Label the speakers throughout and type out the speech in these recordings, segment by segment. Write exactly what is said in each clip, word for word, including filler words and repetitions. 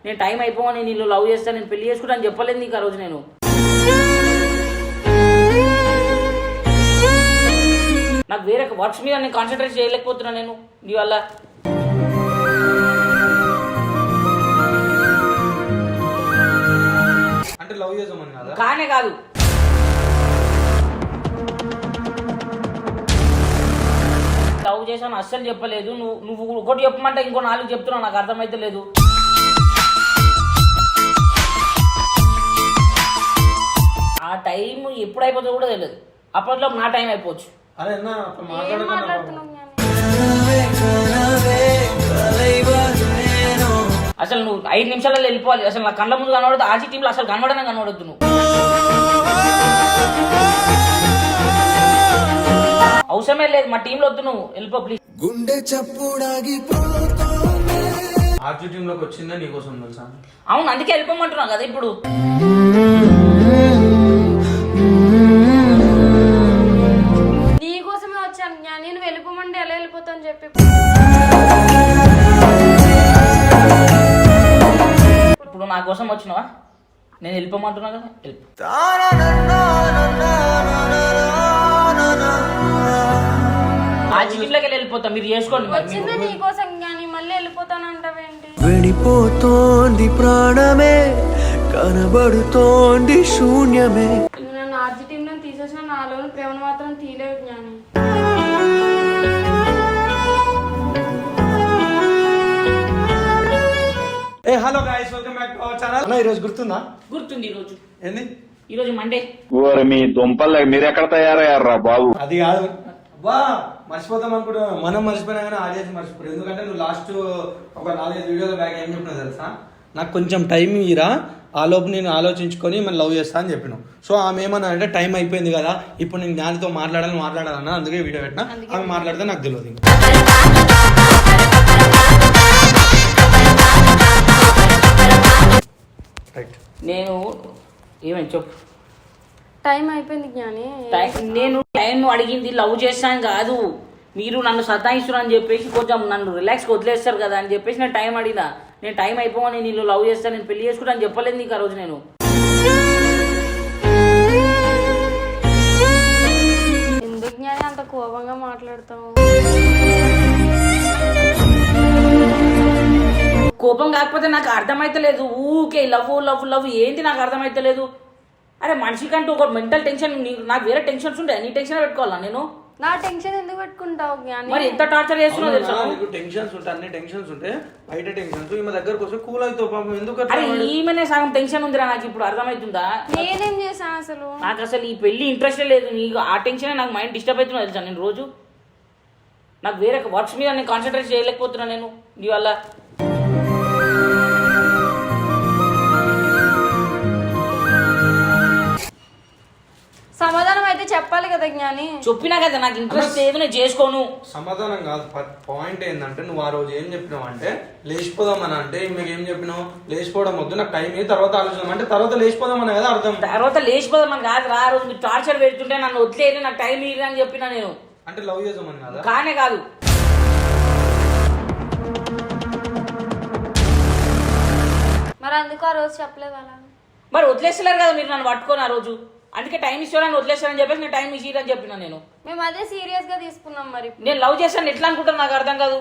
Speaker 1: నేను టైం అయిపోవని నేను లవ్ చేస్తాను నేను పెళ్లి చేసుకుంటా అని చెప్పలేదు నీకు ఆ రోజు నేను. నాకు వేరే వర్క్స్ మీద నేను కాన్సన్ట్రేట్ చేయలేకపోతున్నా నేను నీ వల్ల.
Speaker 2: అంటే లవ్ చేద్దామని కదా
Speaker 1: కానే కాదు. లవ్ చేశాను అస్సలు చెప్పలేదు. నువ్వు నువ్వు ఒకటి చెప్పమంటే ఇంకో నాలుగు చెప్తున్నావు, నాకు అర్థమైతే లేదు. ఆ టైం ఎప్పుడు అయిపోతుందో కూడా తెలియదు. అప్పట్లో నా టైం అయిపోవచ్చు.
Speaker 2: అరే
Speaker 1: అసలు నువ్వు ఐదు నిమిషాలలో వెళ్ళిపోవాలి. అసలు నా కళ్ళ ముందు కనబడదు. ఆర్సీ టీంలో అసలు కనబడనే కనబడద్దు నువ్వు. అవసరమే లేదు మా టీంలో వద్దు, నువ్వు వెళ్ళిపో ప్లీజ్.
Speaker 3: గుండె చప్పుడాగి
Speaker 2: ఆర్జీ టీంలోకి వచ్చిందా నీకోసం తెలుసా?
Speaker 1: అవును, అందుకే వెళ్ళిపోమంటున్నావు కదా ఇప్పుడు.
Speaker 4: నీకోసమే వచ్చాను జ్ఞాని, నేను వెళ్ళిపోమంటే ఎలా వెళ్ళిపోతాను చెప్పి.
Speaker 1: ఇప్పుడు నా కోసం వచ్చినావా? నేను వెళ్ళిపోమంటున్నా కదా, వెళ్ళిపో. ఆ జిమ్లోకి వెళ్ళిపోతా, మీరు చేసుకోండి.
Speaker 4: వచ్చిందా నీకోసం జ్ఞాని, మళ్ళీ వెళ్ళిపోతాను అంటావేంటి?
Speaker 3: వెళ్ళిపోతోంది ప్రాణమే, కనబడుతోంది శూన్యమే.
Speaker 4: నన్ను ఆర్జీ టీం లో తీసేసిన నాలోని ప్రేమను మాత్రం తీయలేవు జ్ఞాని.
Speaker 2: Hey hello guys, welcome back to our channel. అన్న ఈ రోజు గుర్తుందా?
Speaker 1: గుర్తుంది. ఈ రోజు
Speaker 2: ఏంది?
Speaker 1: ఈ రోజు మండే.
Speaker 5: ఓరి మీ దుంపల్ మీరు ఎక్కడ తయారయ్యారా బాబు?
Speaker 2: అది కాదు బా, మర్చిపోతాం అనుకుంటా. మనం మర్చిపోయినా కానీ ఆడియన్స్ మర్చిపోరు. ఎందుకంటే నువ్వు లాస్ట్ ఒక నాలుగైదు వీడియోల బ్యాక్ ఏం చెప్పినావు తెలుసా? నాకు కొంచెం టైం ఇరా, ఆ లోపు నేను ఆలోచించుకొని మనం లవ్ చేస్తా అని చెప్పినావు. సో ఆమె ఏమన్నా అంటే టైం అయిపోయింది కదా, ఇప్పుడు నేను జ్ఞానితో మాట్లాడాలని మాట్లాడాలన్నా, అందుకే వీడియో పెట్టినా. ఆమె మాట్లాడితే నాకు తెలియదు. రైట్,
Speaker 1: నేను ఏమని చెప్పు.
Speaker 4: టైం అయిపోయింది జ్ఞాని.
Speaker 1: నేను టైం అడిగింది లవ్ చేస్తాను కాదు, మీరు నన్ను సతాయిస్తున్నారు అని చెప్పేసి కొంచెం నన్ను రిలాక్స్గా వదిలేస్తారు కదా అని చెప్పేసి నేను టైం అడిగినా. నేను టైం అయిపోవని నేను లవ్ చేస్తాను నేను పెళ్లి చేసుకుంటా అని చెప్పలేదు నీకు ఆ రోజు నేను.
Speaker 4: ఎందుకు జ్ఞాని అంత కోపంగా మాట్లాడతావు?
Speaker 1: కోపం కాకపోతే నాకు అర్థమైతే లేదు. ఊకే లవ్ లవ్ లవ్ ఏంటి నాకు అర్థమైతే లేదు. అరే మనిషికంటూ ఒక మెంటల్ టెన్షన్, నాకు వేరే టెన్షన్స్ ఉంటాయి. నీ టెన్షన్ పెట్టుకోవాలా నేను?
Speaker 4: నా టెన్షన్ ఎందుకు పెట్టుకుంటావు జ్ఞాని?
Speaker 1: మరి ఎంత టార్చర్ చేస్తున్నావు తెలుసా?
Speaker 2: నీకు టెన్షన్స్ ఉంటాయి, అన్ని టెన్షన్స్ ఉంటాయి, బయట టెన్షన్స్. ఈమె దగ్గరకు వస్తే కూల్ అవుతావు పాపం. ఎందుకు?
Speaker 1: అరే ఈమెనే సగం టెన్షన్ ఉందిరా నాకు ఇప్పుడు, అర్థమవుతుందా?
Speaker 4: నేనేం చేశాను అసలు?
Speaker 1: నాకు అసలు ఈ పెళ్లి ఇంట్రెస్టే లేదు. నీకు ఆ టెన్షనే నాకు మైండ్ డిస్టర్బ్ అవుతున్నా తెలుసా. నేను రోజు నాకు వేరే వర్క్స్ మీద నేను కాన్సన్ట్రేట్ చేయలేకపోతున్నా నేను నీ వల్ల.
Speaker 4: సమాధానం అయితే చెప్పాలి కదా జ్ఞాని.
Speaker 1: చెప్పినా కదా నాకు ఇంట్రెస్ట్ లేదు, నేను చేసుకోను.
Speaker 2: సమాధానం కాదు, పాయింట్ ఏంటంటే నువ్వు ఆ రోజు ఏం చెప్పినావు అంటే లేచిపోదామని. అంటే మీకు ఏం చెప్పినావు? లేచిపోవడం వద్దు, నాకు టైం ఏ తర్వాత ఆలోచన అంటే తర్వాత లేచిపోదామని కదా అర్థం.
Speaker 1: తర్వాత లేచిపోదామని కాదు రా, రోజు మీరు టార్చర్ పెడుతుంటే నన్ను వదిలేదు, నాకు టైం ఇవ్వదు అని చెప్పినా నేను.
Speaker 2: అంటే లవ్ చేద్దామని కదా?
Speaker 1: కానే కాదు.
Speaker 4: మరి అందుకు ఆ రోజు చెప్పలేదు అలా?
Speaker 1: మరి వదిలేస్తలేరు కదా మీరు నన్ను పట్టుకొని ఆ రోజు. అందుకే టైం ఇస్తానని వదిలేస్తానని చెప్పేసి నేను టైం ఇచ్చిరని చెప్పినా నేను.
Speaker 4: మేము అదే సీరియస్ గా తీసుకున్నాం. మరి
Speaker 1: నేను లవ్ చేస్తాను ఎట్లా అనుకుంటాను నాకు అర్థం కాదు.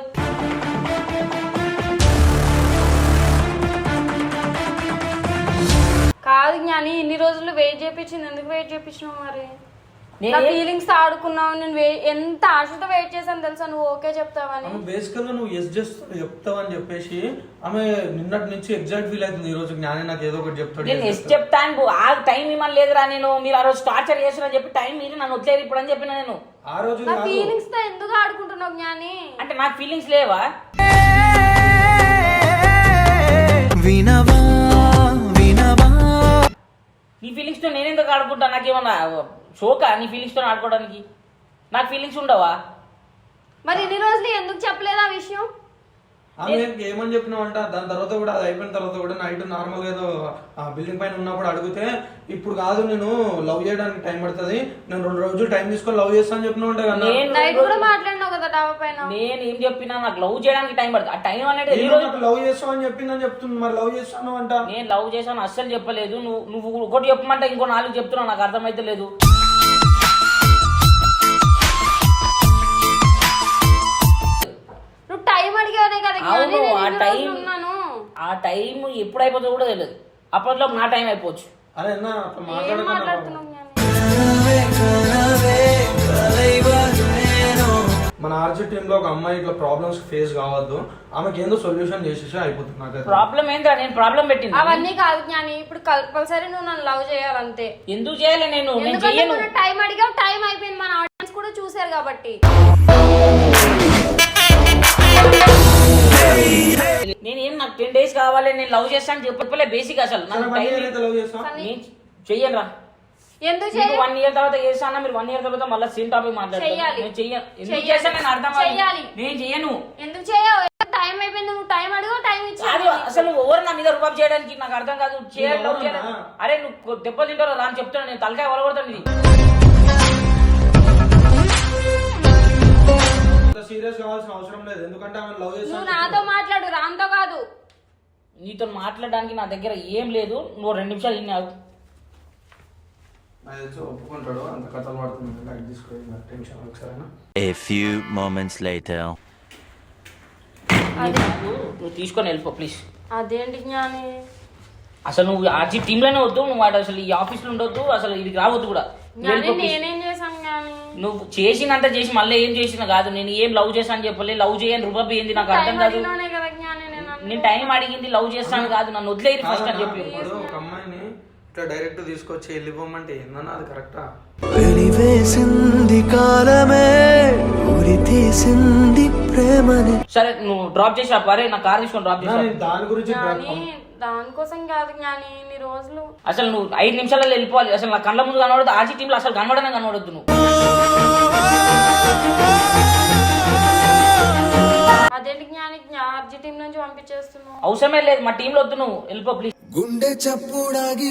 Speaker 4: కాదు జ్ఞాని, ఇన్ని రోజులు వెయిట్ చేయించింది ఎందుకు వెయిట్ చేయించినావు? మరి నా ఫీలింగ్స్ ఆడుకున్నావు. నేను ఎంత ఆశతో వెయిట్ చేశాను తెలుసా, నువ్వు ఓకే చెప్తావని.
Speaker 2: బేసికల్ గా నువ్వు ఎస్ చేస్తా చెప్తావని చెప్పేసి ఆమె నిన్నటి నుంచి ఎగ్జాక్ట్ ఫీల్ అవుతుంది. ఈ రోజు జ్ఞాని నాకు ఏదో ఒకటి చెప్తాడు.
Speaker 1: నేను ఎస్ చెప్తాను, ఆ టైం ఇవ్వని లేదురా నేను. మీరు ఆ రోజు టార్చర్ చేస్తారని చెప్పి టైం మీరు నన్ను వదిలేరు ఇప్పుడు అని చెప్పిన నేను.
Speaker 2: ఆ రోజు
Speaker 4: నా ఫీలింగ్స్ తో ఎందుకు ఆడుకుంటున్నావు జ్ఞాని?
Speaker 1: అంటే నాకు ఫీలింగ్స్ లేవా?
Speaker 3: వినవా వినవా
Speaker 1: నీ ఫీలింగ్స్ తో నేను ఎందుకు ఆడుకుంటా? నాకేమన్నా షోకా నీ ఫీలింగ్స్ తో ఆడుకోవడానికి? నాకు ఫీలింగ్స్ ఉండవా?
Speaker 4: మరి ఇన్ని రోజులు ఎందుకు చెప్పలేదు ఆ విషయం?
Speaker 2: ఆమె ఏమని చెప్పినావు అంట. దాని తర్వాత కూడా అది అయిపోయిన తర్వాత కూడా నైట్ నార్మల్ ఏదో బిల్డింగ్ పైన ఉన్నప్పుడు అడిగితే ఇప్పుడు కాదు నేను లవ్ చేయడానికి టైం పడుతుంది, నేను రెండు రోజులు టైం తీసుకొని లవ్ చేస్తా అని చెప్పినావు అంట కదా.
Speaker 4: నైట్ కూడా మాట్లాడినావు కదా డాబా పైన.
Speaker 1: నేను ఏం చెప్పినా నాకు లవ్ చేయడానికి టైం పడుతుంది. ఆ టైం అనేది ఎన్ని
Speaker 2: నేను
Speaker 1: రోజులు
Speaker 2: నాకు లవ్ చేస్తావని చెప్పిందని చెప్తుంది, మరి లవ్ చేస్తాను అంట.
Speaker 1: నేను లవ్ చేశాను అస్సలు చెప్పలేదు. నువ్వు నువ్వు ఒకటి చెప్పమంటే ఇంకో నాలుగు చెప్తున్నావు, నాకు అర్థమైతే లేదు.
Speaker 4: నువ్వు టైం అడిగానే కదా
Speaker 1: అవును,
Speaker 4: జ్ఞాని, నేను
Speaker 1: ఆ
Speaker 4: ఎన్ని
Speaker 1: టైం
Speaker 4: రోజులు ఉన్నాను.
Speaker 1: ఆ టైం ఎప్పుడు అయిపోతుందో కూడా తెలియదు. అప్పట్లో నా టైం అయిపోవచ్చు.
Speaker 2: అరే అన్న అట్లా
Speaker 4: ఏం
Speaker 2: మాట్లాడకన్నా
Speaker 4: మాట్లాడుతున్నావు జ్ఞాని?
Speaker 2: మన ఆర్జీ టీమ్ లో ఒక అమ్మాయి ఇట్లా ప్రాబ్లమ్స్ ఫేస్ కావద్దు, ఆమెకి ఏందో సొల్యూషన్ చేసేసి అయిపోతుంది. నాకైతే
Speaker 1: ప్రాబ్లం ఏంద్రా, నేను ప్రాబ్లం పెట్టింది
Speaker 4: అవన్నీ కాదు జ్ఞాని, ఇప్పుడు కంపల్సరీ నువ్వు నన్ను లవ్ చేయాలంతే.
Speaker 1: ఎందుకు చేయాలి? నేను నేను
Speaker 4: ఎందుకంటే
Speaker 1: చెయ్యను.
Speaker 4: మనం టైం అడిగావు, టైం అయిపోయింది, మన ఆడియన్స్ కూడా చూసారు కాబట్టి.
Speaker 1: నేనేం నాకు టెన్ డేస్ కావాలి, నేను లవ్ చేస్తాను చెప్పలే. బేసిక్ అసలు నాకు
Speaker 2: వన్
Speaker 1: టైం
Speaker 2: ఇయర్ అయితే లవ్ చేస్తా.
Speaker 1: నేను చెయ్యను రా.
Speaker 4: ఎందుకు
Speaker 1: మీకు
Speaker 4: చేయాలి?
Speaker 1: వన్ ఇయర్ తర్వాత చేస్తాను, మీరు వన్ ఇయర్ తర్వాత మళ్ళీ సేమ్ టాపిక్ మాట్లాడతాను.
Speaker 4: చెయ్యాలి.
Speaker 1: నేను చెయ్యను. ఎందుకు
Speaker 4: చెయ్యాలి.
Speaker 1: చేస్తాను నేను అర్థం కాదు.
Speaker 4: చెయ్యాలి.
Speaker 1: నేను చెయ్యను.
Speaker 4: ఎందుకు చేయవు? టైం అయిపోయింది, నువ్వు టైం అడిగావు, టైం
Speaker 1: కాదు
Speaker 4: ఇచ్చాను.
Speaker 1: అసలు నువ్వు ఎవరు నా మీద రుబాబ్ చేయడానికి నాకు అర్థం కాదు. చేయాలి,
Speaker 2: నేను
Speaker 1: లవ్ చేయాలి.
Speaker 2: ఎవరన్నా?
Speaker 1: అరే నువ్వు దెబ్బలు తింటారో రా అని చెప్తాను. నేను తలకాయ వలగొడతాను ఇది.
Speaker 2: సీరియస్ కావాల్సిన అవసరం లేదు, ఎందుకంటే ఆమె లవ్
Speaker 4: నువ్వు
Speaker 2: చేస్తాను.
Speaker 4: నాతో మాట్లాడు, రామ్తో కాదు.
Speaker 1: నీతో మాట్లాడడానికి నా దగ్గర ఏం లేదు. నువ్వు రెండు నిమిషాలు ఇన్నావు.
Speaker 2: నాకు తెలిసి ఒప్పుకుంటాడు, అంత కథలు పడుతుంది. లైట్ తీసుకోవాలి, టెన్షన్ ఒకసారి.
Speaker 6: A few moments later.
Speaker 1: నువ్వు నువ్వు తీసుకొని వెళ్ళిపో ప్లీజ్.
Speaker 4: అదేంటి జ్ఞాని?
Speaker 1: అసలు నువ్వు ఆర్జీ టీంలోనే వద్దు, నువ్వు వాడు అసలు ఈ ఆఫీస్లో ఉండొద్దు, అసలు ఇది రావద్దు కూడా. నువ్వు
Speaker 4: జ్ఞాని
Speaker 1: వెళ్ళిపో please.
Speaker 4: నేనేం చేశాను జ్ఞాని?
Speaker 1: నువ్వు చేసినంత చేసి మళ్ళీ ఏం చేసినా కాదు. నేను ఏం లవ్ చేశాను చెప్పలే. లవ్ చేయని రుబాబ్ ఏంది నాకు అర్థం
Speaker 4: టైం
Speaker 1: కాదు.
Speaker 4: అడిగినానే కదా జ్ఞాని నేను అన్నది.
Speaker 1: నేను టైం అడిగింది లవ్ చేస్తాను కాదు, నన్ను వదిలేరు ఫస్ట్ అని చెప్పి.
Speaker 2: ఇప్పుడు ఒక అమ్మాయిని ఇట్లా డైరెక్ట్ తీసుకొచ్చి వెళ్ళిపోమంటే ఏందన్నా అది కరెక్టా?
Speaker 3: వెలివేసింది కాలమే, ఉరి తీసింది ప్రేమని.
Speaker 1: సరే నువ్వు డ్రాప్ చేసి అరే నా కార్ తీసుకొని డ్రాప్
Speaker 2: అన్నా,
Speaker 1: చేసి
Speaker 2: నేను దాని గురించి
Speaker 4: జ్ఞాని దానికోసం కాదు జ్ఞాని, ఇన్ని రోజులు
Speaker 1: అసలు నువ్వు ఐదు నిమిషాలలో వెళ్ళిపోవాలి. అసలు నా కళ్ళ ముందు కనబడదు. ఆర్జీ టీంలో అసలు కనబడనే కనబడద్దు నువ్వు.
Speaker 4: అదేంటి జ్ఞాని ఆర్జీ టీం నుంచి పంపించేస్తున్నావు?
Speaker 1: అవసరమే లేదు, మా టీంలో వద్దు, నువ్వు వెళ్ళిపో ప్లీజ్.
Speaker 3: గుండె చప్పుడాగి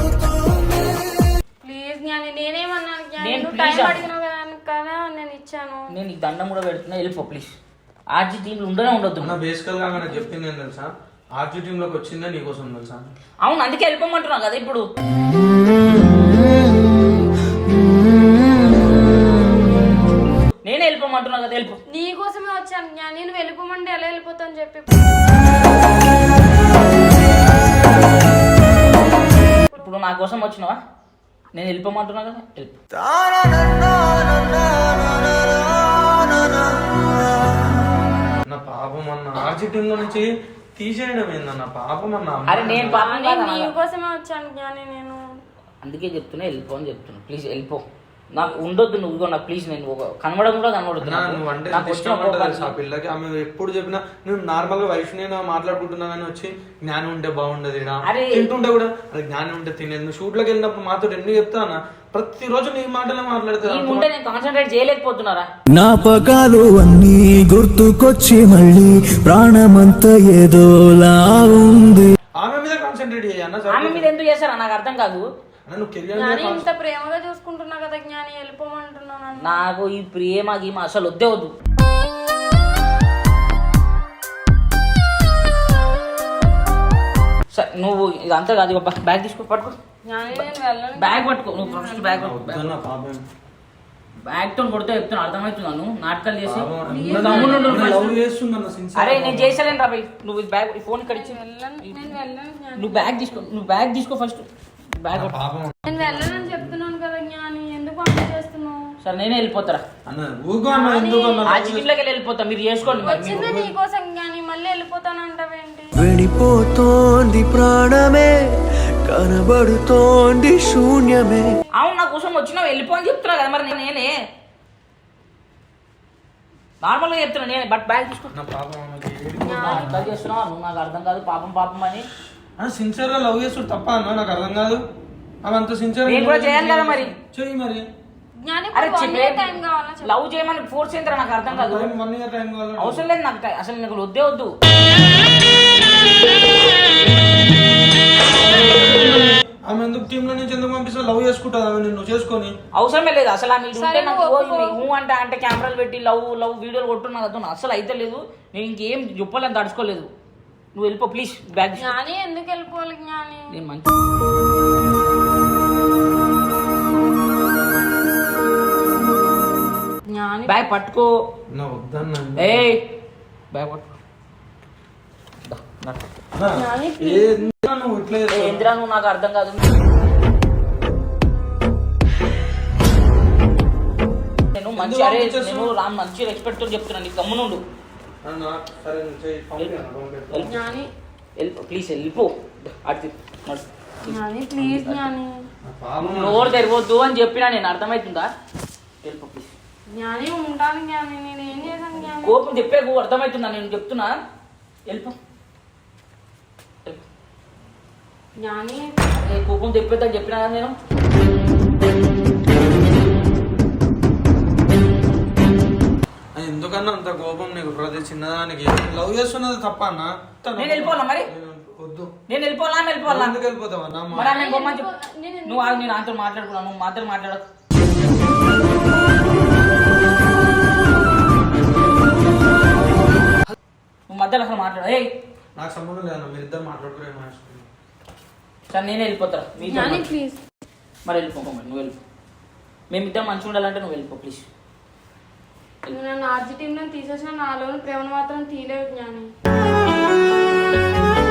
Speaker 4: ప్లీజ్ జ్ఞాని, నేనేమన్నాను జ్ఞాని?
Speaker 1: నేను
Speaker 4: నువ్వు
Speaker 1: please
Speaker 4: టైం
Speaker 1: ఆ-
Speaker 4: అడిగినావు కదా కదా నేను ఇచ్చాను.
Speaker 1: నేను నీకు దండం కూడా పెడుతున్నా, వెళ్ళిపో ప్లీజ్. ఆర్జీ టీంలో ఉండనే ఉండొద్దు.
Speaker 2: నా బేసికల్ గా నాకు చెప్పింది ఏం తెలుసా, ఆర్జీ టీమ్ లోకి వచ్చిందే నీకోసం తెలుసా.
Speaker 1: అవును, అందుకే వెళ్ళిపోమంటున్నా కదా ఇప్పుడు. నేనే వెళ్ళిపోమంటున్నా కదా, వెళ్ళిపో.
Speaker 4: నీ కోసమే వచ్చాను జ్ఞాని, నేను వెళ్ళిపోమంటే ఎలా వెళ్ళిపోతాను చెప్పి.
Speaker 1: ఇప్పుడు నా కోసం వచ్చినావా? నేను వెళ్ళిపోమంటున్నా కదా, వెళ్ళిపో.
Speaker 2: నా పాపం అన్న ఆర్జీ టీమ్ లో నుంచి తీసేయడం ఏందన్న పాపం అన్న.
Speaker 1: అరే నేను పాపం
Speaker 4: జ్ఞాని,
Speaker 1: కాదా
Speaker 4: నీ
Speaker 1: నాన్న?
Speaker 4: కోసమే వచ్చాను జ్ఞాని నేను.
Speaker 1: అందుకే చెప్తున్నా వెళ్ళిపో అని చెప్తున్నా. ప్లీజ్ వెళ్ళిపో, నాకు ఉండొద్దు నువ్వు కూడా నాకు. ప్లీజ్ నేను ఒక కనబడం కూడా కనబడదు
Speaker 2: అన్నా,
Speaker 1: నాకు.
Speaker 2: నువ్వు అంటే
Speaker 1: నాకు
Speaker 2: ఎంత
Speaker 1: వచ్చిన
Speaker 2: ఇష్టం ఉంటుంది
Speaker 1: కోపానికి.
Speaker 2: తెలుసా ఆ పిల్లకి. ఆమె ఎప్పుడు చెప్పినా నేను నార్మల్ గా వైఫ్ నేను మాట్లాడుకుంటున్నా కానీ వచ్చి జ్ఞానం ఉంటే బాగుండదు ఈడ.
Speaker 1: అరే.
Speaker 2: తింటుంటే కూడా అది జ్ఞానం ఉంటే తినేది. నువ్వు షూట్ లోకి వెళ్ళినప్పుడు మాతో ఎన్ని చెప్తా అన్న, ప్రతిరోజు నీ మాటలే మాట్లాడతా.
Speaker 1: నీ ముందే నేను కాన్సన్ట్రేట్ చేయలేకపోతున్నారా?
Speaker 3: జ్ఞాపకాలు అన్నీ గుర్తుకొచ్చి మళ్ళీ ప్రాణమంతా ఏదోలా ఉంది.
Speaker 2: ఆమె మీద కాన్సన్ట్రేట్ చేయన్న.
Speaker 1: ఆమె మీద ఎందుకు చేస్తారా నాకు అర్థం కాదు.
Speaker 2: నువ్వు కెరియర్
Speaker 4: జ్ఞాని ఇంత ప్రేమగా చూసుకుంటున్నా కదా జ్ఞాని, వెళ్ళిపోమంటున్నావు నన్ను.
Speaker 1: నాకు ఈ ప్రేమ గీమ అసలు వద్దే వద్దు. సరే నువ్వు ఇదంతా కాదు, ఇగో బ్యాగ్ తీసుకో, పట్టుకో.
Speaker 4: జ్ఞాని నేను వెళ్ళను.
Speaker 1: బ్యాగ్ పట్టుకో, నువ్వు ఫస్ట్ బ్యాగ్ పట్టుకో.
Speaker 2: వద్దన్న పాపం.
Speaker 1: బ్యాగ్ తో కొడితే చెప్తున్నా, అర్థమవుతున్నాను నాటకాలు చేసి.
Speaker 2: పాపం.
Speaker 1: నువ్వు గమ్మున ఉండు
Speaker 2: నేను
Speaker 1: first.
Speaker 2: Love చేస్తుందన్న sincere.
Speaker 1: అరే నేను చేసలేను రా భయ్. నువ్వు ఈ బ్యాగ్ ఈ ఫోన్ ఇక్కడ ఇచ్చి
Speaker 4: వెళ్ళను, నేను వెళ్ళను జ్ఞాని.
Speaker 1: నువ్వు బ్యాగ్ తీసుకో, నువ్వు బ్యాగ్ తీసుకో ఫస్ట్. బ్యాగ్
Speaker 2: నా
Speaker 1: పట్టుకో.
Speaker 2: పాపం
Speaker 4: నేను వెళ్ళనని చెప్తున్నాను కదా జ్ఞాని, ఎందుకు పంపించేస్తున్నావు?
Speaker 1: సరే నేనే వెళ్ళిపోతారా.
Speaker 2: అన్న ఊగో అన్న, ఎందుకు అన్న?
Speaker 1: ఆ చికెన్లోకి వెళ్ళి వెళ్ళిపోతా, మీరు చేసుకోండి మరి.
Speaker 4: వచ్చిందే నీకోసం జ్ఞాని, మళ్ళీ వెళ్ళిపోతానంటావేంటి?
Speaker 3: వెళ్ళిపోతోంది ప్రాణమే, కనబడుతోంది శూన్యమే.
Speaker 1: అవును నా కోసం వచ్చినావు వెళ్ళిపో అని చెప్తున్నా కదా మరి నేనే నార్మల్గా చెప్తున్నా నేనే. బట్ బ్యాగ్ తీసుకో.
Speaker 2: నా పాపం ఆమెకి.
Speaker 1: అర్థం చేస్తున్నావు నువ్వు, నాకు అర్థం కాదు. పాపం పాపం అని
Speaker 2: అన్న సిన్సియర్ గా లవ్ చేస్తుడు తప్ప అన్న, నాకు అర్థం కాదు. ఆమె అంత సిన్సియర్
Speaker 1: నేను కూడా చేయాలి కదా మరి.
Speaker 2: చెయ్యి మరి.
Speaker 4: జ్ఞాని
Speaker 1: అరే
Speaker 4: వన్ ఇయర్ టైం కావాలా చెప్పు?
Speaker 1: లవ్ చేయమని ఫోర్స్ ఏంటరా నాకు అర్థం కాదు.
Speaker 2: వన్ ఇయర్ టైం కావాలి.
Speaker 1: అవసరం లేదు నాకు టై- అసలు నాకు వద్దే వద్దు.
Speaker 2: ఆమె ఎందుకు టీమ్ లో నుంచి ఎందుకు పంపిస్తా లవ్ చేసుకుంటుందా నువ్వు చేసుకొని
Speaker 1: అవసరమే లేదు అసలు ఆమె ఉంటే
Speaker 4: సరే,
Speaker 1: నాకు
Speaker 4: నువ్వు
Speaker 1: ఓ
Speaker 4: ఒప్పుకో.
Speaker 1: ఈమె ఊ అంటే అంటే కెమెరాలు పెట్టి లవ్ లవ్ వీడియోలు కొట్టున్నా కదా అసలు అయితే లేదు నేను ఇంకేం చెప్పాలని తడుచుకోలేదు నువ్వు వెళ్ళిపో ప్లీజ్ బ్యాగ్
Speaker 4: జ్ఞాని ఎందుకు వెళ్ళిపోవాలి జ్ఞాని
Speaker 1: నేను మంచి
Speaker 4: జ్ఞాని
Speaker 1: బ్యాగ్ పట్టుకో
Speaker 2: నా వద్దన్నా
Speaker 1: ఏ బ్యాగ్ పట్టుకో దా, దా.
Speaker 4: జ్ఞాని
Speaker 2: ఏందిరా నువ్వు ఇట్లా
Speaker 1: ఏ,
Speaker 2: చేస్తావు?
Speaker 1: ఏందిరా నువ్వు నాకు అర్థం కాదు నేను మంచి
Speaker 2: ఎందుకు
Speaker 1: అరే
Speaker 2: పంపించేస్తున్నావు?
Speaker 1: నేను రామ్ మంచి రెస్పెక్ట్ తో చెప్తున్నాను నీకు గమ్మునుండు
Speaker 2: అన్నా, సరే నువ్వు చెయ్యి, పంపినా, పంపినా.
Speaker 4: జ్ఞాని
Speaker 1: వెళ్ళిపో ప్లీజ్ వెళ్ళిపో అటు నడు.
Speaker 4: జ్ఞాని ప్లీజ్ జ్ఞాని
Speaker 2: నా పాపం
Speaker 1: నోరు తెరవద్దు అని చెప్పినా నేను అర్థమవుతుందా వెళ్ళిపో ప్లీజ్
Speaker 4: జ్ఞాని ఉంటాను జ్ఞాని నేను ఏం చేశాను జ్ఞాని
Speaker 1: కోపం చెప్పేకు అర్థమవుతుందా నేను చెప్తున్నా వెళ్ళిపో వెళ్ళిపో.
Speaker 4: జ్ఞాని
Speaker 1: అరే, కోపం చెప్పేద్దని చెప్పినా కదా నేను
Speaker 2: అది ఎందుకన్నా అంత కోపం నీకు ప్రతి చిన్నదానికి లవ్ చేస్తున్నది తప్ప అన్న
Speaker 1: నేను వెళ్ళిపోవాలా మరి?
Speaker 2: నేను వద్దు
Speaker 1: నేను వెళ్ళిపోవాలా ఆమె వెళ్ళిపోవాలా
Speaker 2: ఎందుకు వెళ్ళిపోతావు అన్న
Speaker 1: మరి ఆమె బొమ్మ చెప్పు.
Speaker 4: నేను
Speaker 1: నువ్వు ఆగు, నేను ఆమెతో మాట్లాడుకున్నాను నువ్వు మాత్రం మాట్లాడకు నువ్వు మధ్యలో అసలు మాట్లాడు ఏ
Speaker 2: నాకు సంబంధం లేదన్న మీరు ఇద్దరు మాట్లాడుకునే మార్చుకున్నాను
Speaker 1: సరే నేనే వెళ్ళిపోతారా మీతో
Speaker 4: జ్ఞాని
Speaker 1: మరి.
Speaker 4: ప్లీజ్
Speaker 1: మరి వెళ్ళిపో మరి నువ్వు వెళ్ళిపో మేమిద్దరం మంచిగా ఉండాలంటే నువ్వు వెళ్ళిపో ప్లీజ్
Speaker 4: నువ్వు నన్ను ఆర్జీ టీంలో తీసేసిన నాలోని ప్రేమను మాత్రం తీలేవు జ్ఞాని